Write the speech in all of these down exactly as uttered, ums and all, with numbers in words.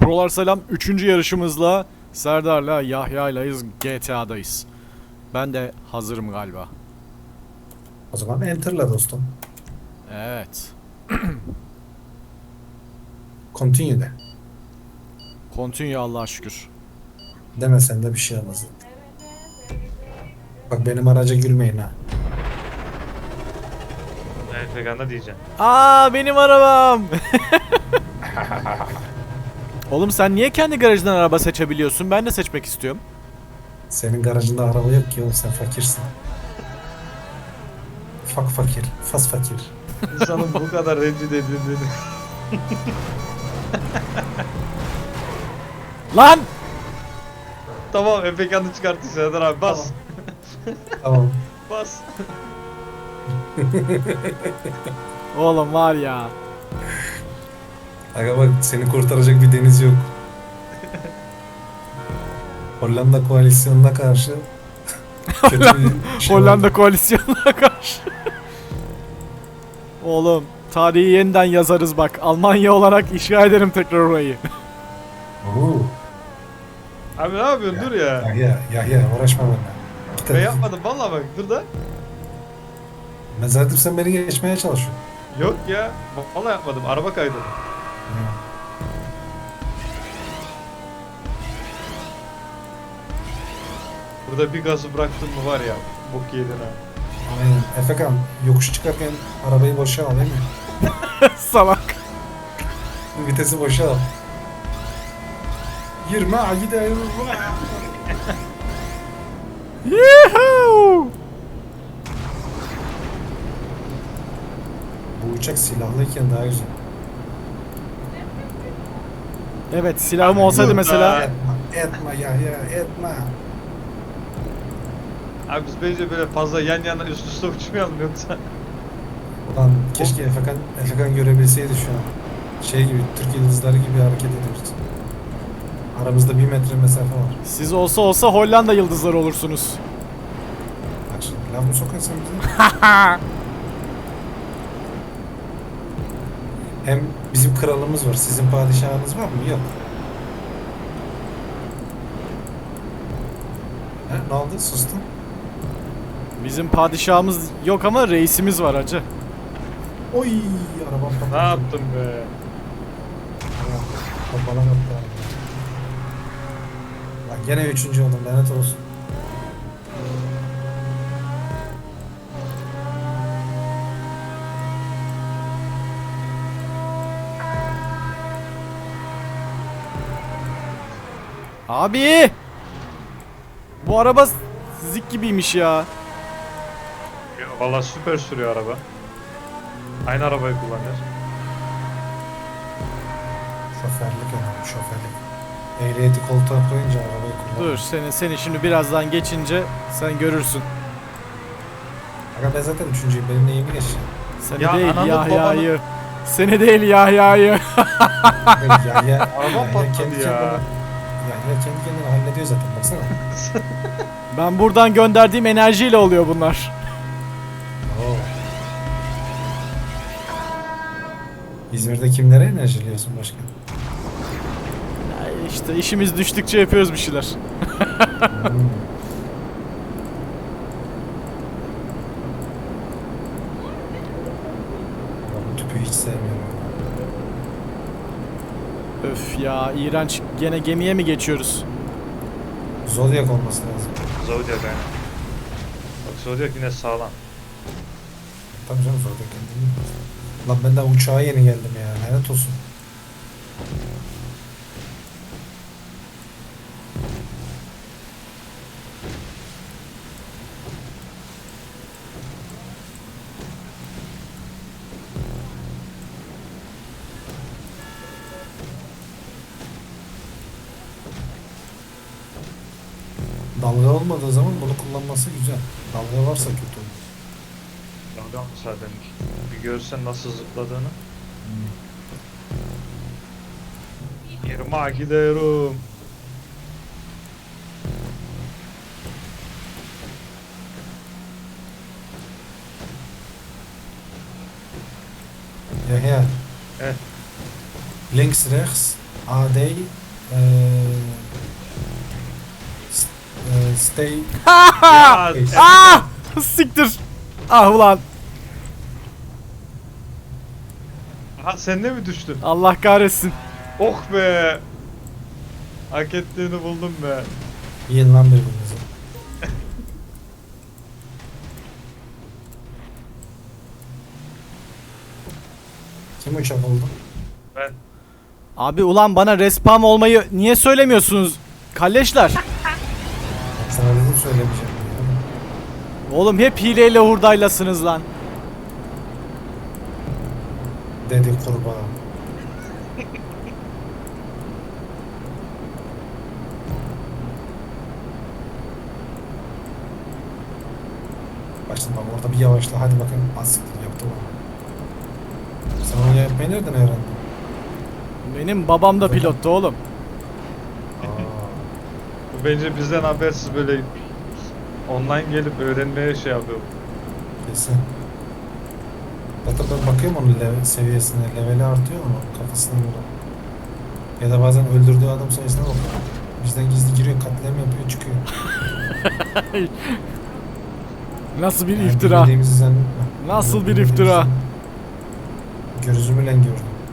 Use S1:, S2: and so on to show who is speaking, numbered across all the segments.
S1: Prolar selam. Üçüncü yarışımızla Serdar'la Yahya'ylayız. G T A'dayız. Ben de hazırım galiba.
S2: O zaman enter'la dostum.
S1: Evet.
S2: Continue de.
S1: Continue Allah'a şükür.
S2: Demesen de bir şey olmaz. Bak benim araca gülmeyin ha.
S3: Evet veganda diyeceğim.
S1: Aa benim arabam. Oğlum sen niye kendi garajından araba seçebiliyorsun? Ben de seçmek istiyorum.
S2: Senin garajında araba yok ki oğlum, sen fakirsin. Fak fakir. Fas fakir.
S3: İnsanın bu kadar rencide edildiğini.
S1: Lan!
S3: Tamam Efekan'ı çıkarttı Serdar abi bas.
S2: Tamam.
S3: Bas.
S1: Oğlum var ya.
S2: Aga bak, seni kurtaracak bir deniz yok. Hollanda koalisyonuna karşı kötü bir şey
S1: Hollanda
S2: oldu.
S1: koalisyonuna karşı. Oğlum tarihi yeniden yazarız bak. Almanya olarak işgal ederim tekrar orayı.
S2: Oo.
S3: Abi ne yapıyorsun dur ya.
S2: Yahya, Yahya uğraşma benimle. Git
S3: Ben
S2: hadi.
S3: yapmadım vallahi bak dur da.
S2: Ben zaten sen beni geçmeye çalışıyorsun.
S3: Yok ya. Vallahi yapmadım araba kaydı. Burada bir gazı bıraktın mı var ya. Bok yedin ha.
S2: Aynen. Efekan yokuş çıkarken arabayı boşa al değil mi?
S1: Salak.
S2: Vitesi boşa al. Yirmi gidelim.
S1: Yuhuu!
S2: Bu uçak silahlıyken daha güzel.
S1: Evet silahım olsaydı
S3: Yok
S1: mesela.
S3: be.
S2: Etme, etme ya ya etme.
S3: Abi biz bence böyle fazla yan yana üst üste uçmayalım yoksa.
S2: Ulan keşke Efekan, Efekan görebilseydi şu an. Şey gibi, Türk yıldızları gibi hareket ediyoruz. Aramızda bir metre mesafe var.
S1: Siz olsa olsa Hollanda yıldızları olursunuz.
S2: Bak şimdi laf mı sokuyorsun bize? Hem bizim kralımız var, sizin padişahınız var mı? Yok. He, ne oldu? Sustun.
S1: Bizim padişahımız yok ama reisimiz var hacı.
S2: Oy, arabam patladı.
S3: Ne yaptın be?
S2: Kapalan attı araba. Lan gene üçüncü oldum, lanet olsun.
S1: Abi! Bu araba zik gibiymiş ya.
S3: Ya, vallahi süper sürüyor araba. Aynı arabayı kullanıyor.
S2: Şoförlük önemli, şoförlük. Ehliyeti koltuğa koyunca arabayı kullan.
S1: Dur seni seni şimdi birazdan geçince sen görürsün.
S2: Aga ben zaten üçüncüyüm, benim neyimi geçeceğim?
S1: Seni
S3: Ya
S1: değil
S3: ananı
S1: Yahya'yı. Seni değil Yahya'yı.
S2: ya ya
S3: Araba patladı
S2: kendi
S3: ya.
S2: kendine, ya ya kendi kendine hallediyor zaten, baksana.
S1: Ben buradan gönderdiğim enerjiyle oluyor bunlar.
S2: Oo. İzmir'de kimlere enerjiliyorsun başka?
S1: Ya işte işimiz düştükçe yapıyoruz bir şeyler.
S2: Hmm. Ya bu tüpü hiç sevmiyorum.
S1: Öf ya iğrenç. Gene gemiye mi geçiyoruz?
S2: Zodiac olması lazım.
S3: Zodiac aynen. Bak Zodiac yine sağlam.
S2: Tabii canım, Zodiac kendini bilmez. Lan ben daha uçağa yeni geldim ya, lanet olsun. Dalga olmadığı zaman bunu kullanması güzel. Dalga varsa kötü olur.
S3: Dalga mı zaten? Bir görsen nasıl zıpladığını. Yirmi gidiyorum.
S2: Ya ya.
S3: Evet.
S2: Links rechts. A day eee, s- eee, stay
S3: Ya,
S2: Neyse.
S1: Ah! Siktir. Ah ulan.
S3: aha sen de mi düştün?
S1: Allah kahretsin.
S3: Oh be. Hak ettiğini buldum be.
S2: yiyin lan birbirinizi. Kim uçak oldu?
S3: Ben
S1: Abi ulan bana respawn olmayı niye söylemiyorsunuz? Kalleşler.
S2: Sana dedim söylemeyeceğim.
S1: Oğlum hep hileyle hurdaylasınız lan.
S2: Dedi kurbağa. Başladım bak orada bir yavaşla hadi bakayım asiktir yaptı bana. Sen onu yapmayı nereden öğrendin?
S1: Benim babam da pilottu oğlum.
S2: Aa,
S3: bu bence bizden habersiz böyle online gelip öğrenmeye şey yapıyor.
S2: kesin. Zaten ben bakıyorum onun level, seviyesine, leveli artıyor mu kafasına göre. Ya da bazen öldürdüğü adam sayısına bakıyor. Bizden gizli giriyor, katliam yapıyor, çıkıyor.
S1: Nasıl bir
S2: Yani
S1: iftira.
S2: bilmediğimizi zannetme.
S1: Nasıl bir
S2: Bilmediğimizi
S1: iftira.
S2: zannetme. Gözümle gördüm.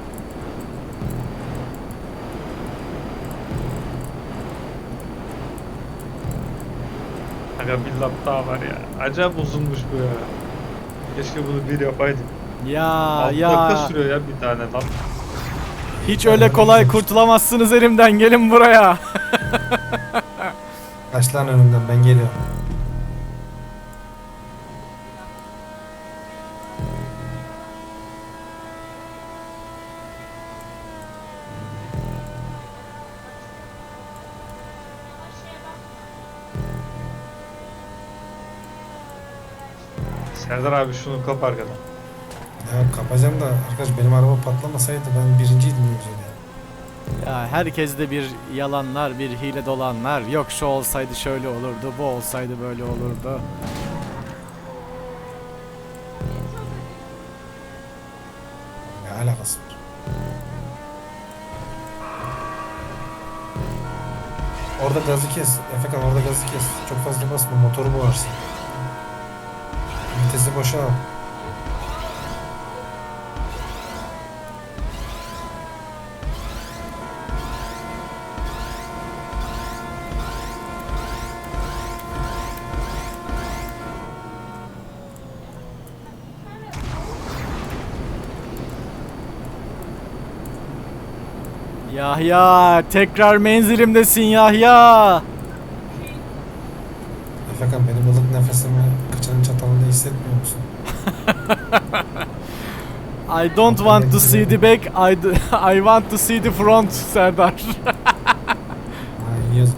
S3: Aga bir lap daha var ya. Acayip uzunmuş bu ya. Keşke bunu bir yapaydık.
S1: Ya
S3: Altı
S1: ya.
S3: dakika sürüyor ya bir tane lap.
S1: Hiç öyle kolay kurtulamazsınız elimden. Gelin buraya.
S2: Kaç lan önümden ben geliyorum.
S3: Serdar abi şunu kap arkadan.
S2: Ya kapacağım da arkadaş benim araba patlamasaydı ben birinciydim yüzde.
S1: Ya herkeste bir yalanlar, bir hile dolanlar. Yok şu olsaydı şöyle olurdu, bu olsaydı böyle olurdu.
S2: Ne alakası var? Orada gazı kes. Efekan orada gazı kes. Çok fazla basma motoru boğarsın. Vitesi boşa al.
S1: Yahya, tekrar menzilimdesin Yahya.
S2: Efekan benim ılık nefesimi kıçının çatalında hissetmiyor musun?
S1: I don't want to see the back, I, d- I want to see the front Serdar.
S2: Ha yiyoruz.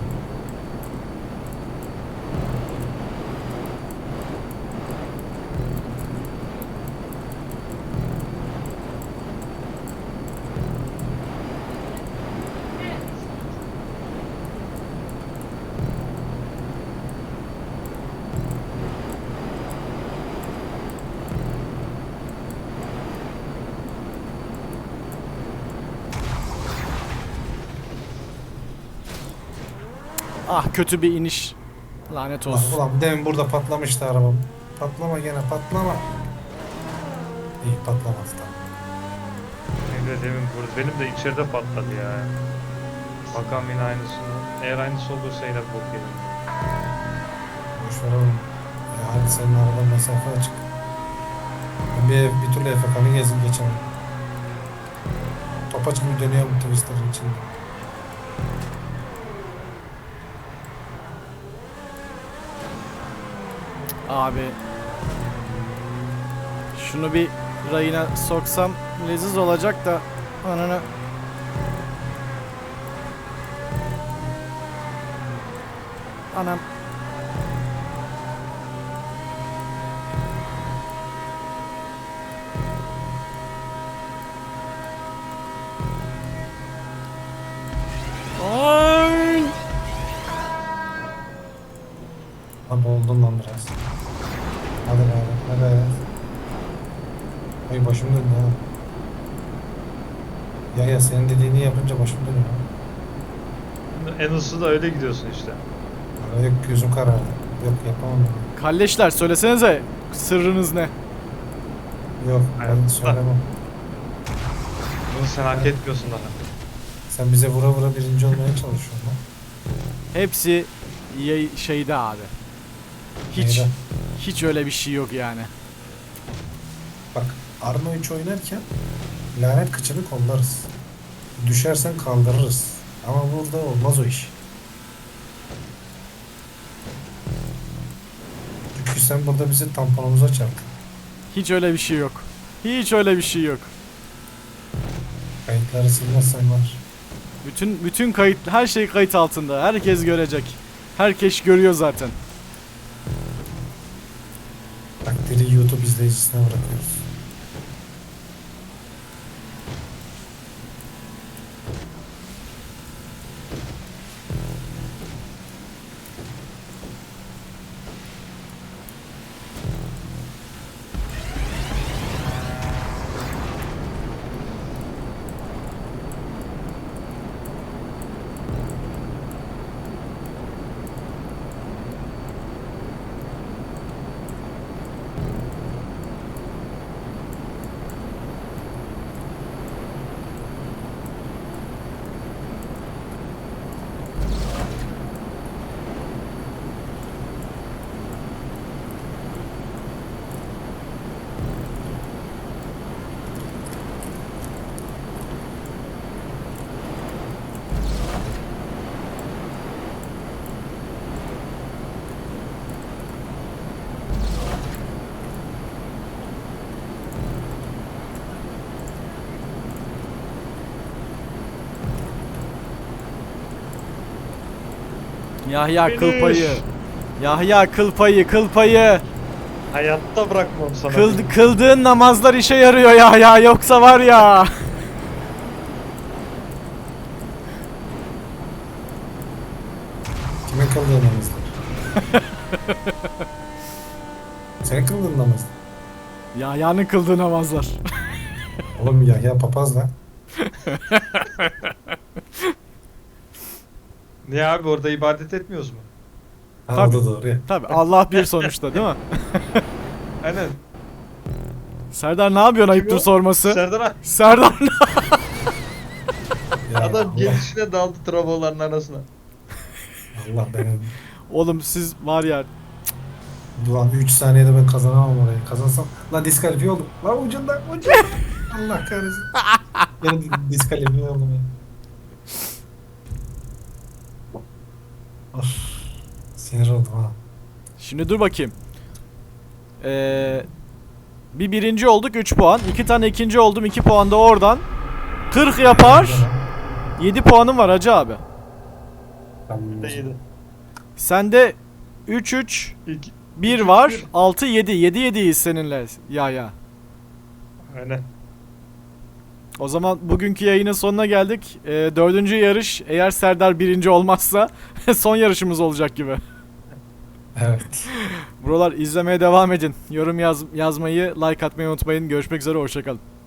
S1: Ah kötü bir iniş. Lanet
S2: Ulan,
S1: olsun.
S2: ulan demin burada patlamıştı arabam. Patlama gene patlama. İyi patlamaz tamam.
S3: Benim de demin burada. Benim de içeride patladı ya. Bakalım yine aynısını. Eğer aynısı olursa yine bok yedim.
S2: Boşver oğlum. Ya hadi senin aradan mesafe açık. Ben bir, ev- bir türlü Efekan'ı gezip geçemem. Topaç gibi dönüyorum Twister'ın içinde.
S1: Abi. Şunu bir rayına soksam leziz olacak da ananı. Anam. Ay!
S2: Lan boğuldum lan biraz. Hadi be hadi be. Ay başım döndü ha. Ya ya senin dediğini yapınca başım dönüyor.
S3: En hızlı da öyle gidiyorsun işte.
S2: Ama yok gözüm karardı. Yok yapamam ben.
S1: Kalleşler söylesenize sırrınız ne?
S2: Yok ben
S3: Hayatta.
S2: söylemem.
S3: Bunu sen hak etmiyorsun daha.
S2: Sen bize vura vura birinci olmaya çalışıyorsun lan.
S1: Hepsi yay- şeyde abi. Hiç
S2: Neyden?
S1: hiç öyle bir şey yok yani.
S2: Bak Arma üç oynarken lanet kıçını kollarız. Düşersen kaldırırız. Ama burada olmaz o iş. Çünkü sen burada bizi tamponumuza çarptın.
S1: Hiç öyle bir şey yok. Hiç öyle bir şey yok.
S2: Kayıtları silmezsen var.
S1: Bütün bütün kayıt her şey kayıt altında. Herkes görecek. Herkes görüyor zaten.
S2: Takdiri YouTube izleyicisine bırakıyoruz.
S1: Yahya kıl
S3: Finish.
S1: payı. Yahya kıl payı, kıl payı.
S3: Hayatta bırakmam sana.
S1: Kıl, kıldığın namazlar işe yarıyor Yahya, yoksa var ya.
S2: Kime kıldığın namazlar? Senin kıldığın namazlar.
S1: Yahya'nın kıldığı namazlar.
S2: Oğlum ya ya papaz lan.
S3: Niye abi orada ibadet etmiyoruz mu?
S2: Ha
S1: Tabii.
S2: o da doğru ya.
S1: Tabi Allah bir sonuçta değil mi?
S3: Aynen.
S1: Serdar ne yapıyorsun ayıptır
S3: Kim o?
S1: sorması?
S3: Serdar abi.
S1: Serdar ne-
S2: Ya
S3: Adam
S2: Allah,
S3: gelişine daldı trafoların arasına.
S2: Allah benim.
S1: Oğlum siz var ya,
S2: Ulan üç saniyede ben kazanamam orayı. Kazansam lan diskalifiye oldum. Lan ucundan ucundan. Allah kahretsin. Ben diskalifiye oldum ya. Of. Sinir oldum ha.
S1: şimdi dur bakayım. Ee, bir birinci olduk üç puan. iki tane ikinci oldum iki puan da oradan. kırk yapar. yedi puanım var hacı abi.
S2: Tamam.
S3: Değildi.
S1: Sende üç üç
S3: İki.
S1: bir var. altı yedi. yedi yediyiz seninle ya ya.
S3: Aynen.
S1: O zaman bugünkü yayının sonuna geldik. Ee, dördüncü yarış, eğer Serdar birinci olmazsa son yarışımız olacak gibi.
S2: Evet.
S1: Buralar izlemeye devam edin. Yorum yaz yazmayı, like atmayı unutmayın. Görüşmek üzere, hoşçakalın.